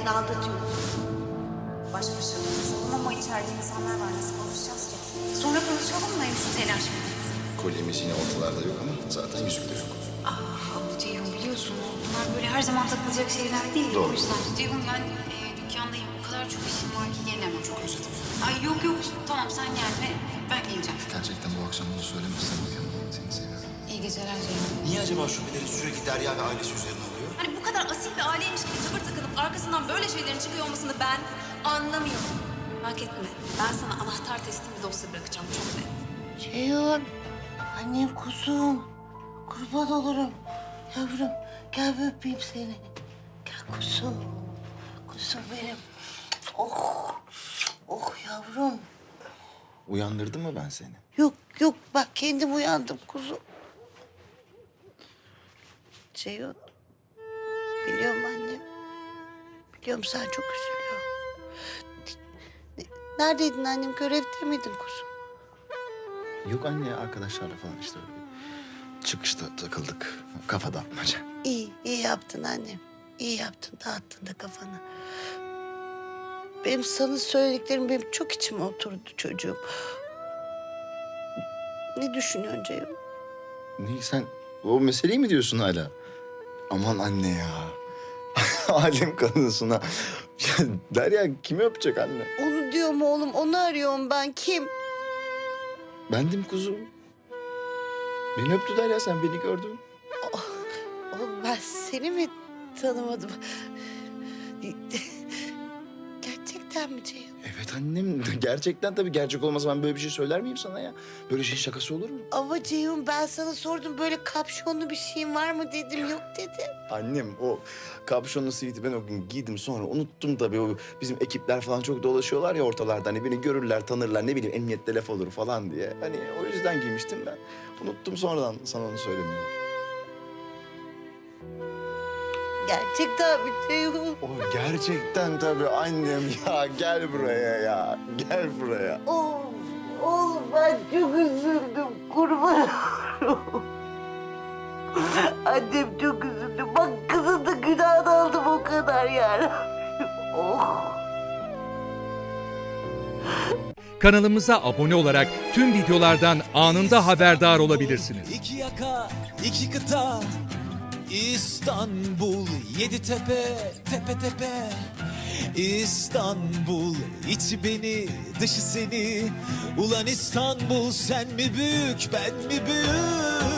beni aldatıyorsun. Baş başa konuşalım ama içeride insanlar var. Nasıl konuşacağız ki? Sonra konuşalım mı? Şu telaş bitsin. Kolyemiz yine ortalarda yok ama zaten yüzük de yok. Ceyhun biliyorsunuz bunlar böyle her zaman takılacak şeyler değil. Doğru. O yüzden Ceyhun ben dükkandayım. O kadar çok işim var ki gelemem. Çok özledim. Ay yok tamam sen gelme. Ben geleceğim. Gerçekten bu akşam bunu söylemezsen uyanmam. Seni seviyorum. İyi geceler Ceyhun. Niye acaba şüpheleri sürekli Derya ve ailesi üzerine oluyor? Hani bu kadar asil bir aileymiş gibi tavır takınıp arkasından böyle şeylerin çıkıyor olmasını ben anlamıyorum. Merak etme. Ben sana anahtar teslim bir dosya bırakacağım. Çok net. Ceyhun, annem kuzum. Kurban olurum. Yavrum, gel bir öpeyim seni. Gel kuzum. Kuzum benim. Oh yavrum. Uyandırdım mı ben seni? Yok bak kendim uyandım kuzum. Ceyhun, biliyorum annem. Biliyorum sen çok üzülüyorsun. Neredeydin annem? Görevde miydin kuzum? Yok anne, arkadaşlarla falan işte öyle. Çıkışta takıldık. Kafa dağıtmaca. İyi yaptın annem. İyi yaptın, dağıttın da kafanı. Benim sana söylediklerim benim çok içime oturdu çocuğum. Ne düşünüyorsun Ceyhun? Ne sen o meseleyi mi diyorsun hala? Aman anne ya. Alem kadınsın ha. Ya Derya kimi öpecek anne? Onu diyorum oğlum, onu arıyorum ben. Kim? Bendim kuzum. Beni öptü Derya, sen beni gördün. Oğlum ben seni mi tanımadım? Gerçekten mi Ceyhun? Evet annem, gerçekten tabii, gerçek olmasa ben böyle bir şey söyler miyim sana ya? Böyle şeyin şakası olur mu? Ama Ceyhun ben sana sordum, böyle kapşonlu bir şeyin var mı dedim, yok dedi. Annem o kapşonlu siviti ben o gün giydim, sonra unuttum tabii. O bizim ekipler falan çok dolaşıyorlar ya ortalarda, hani beni görürler tanırlar, ne bileyim emniyette laf olur falan diye. Hani o yüzden giymiştim ben. Unuttum sonradan sana onu söylemeyi. Gerçekten mi Ceyhun? O gerçekten tabii annem ya, gel buraya ya, gel buraya. Oğlum ben çok üzüldüm, kurban olurum. Annem çok üzüldü. Bak kızın da günahını aldım o kadar yani. Oh. Kanalımıza abone olarak tüm videolardan anında haberdar olabilirsiniz. İki yaka, iki kıta, İstanbul, yedi tepe, tepe tepe. İstanbul, içi beni, dışı seni. Ulan İstanbul, sen mi büyük, ben mi büyük?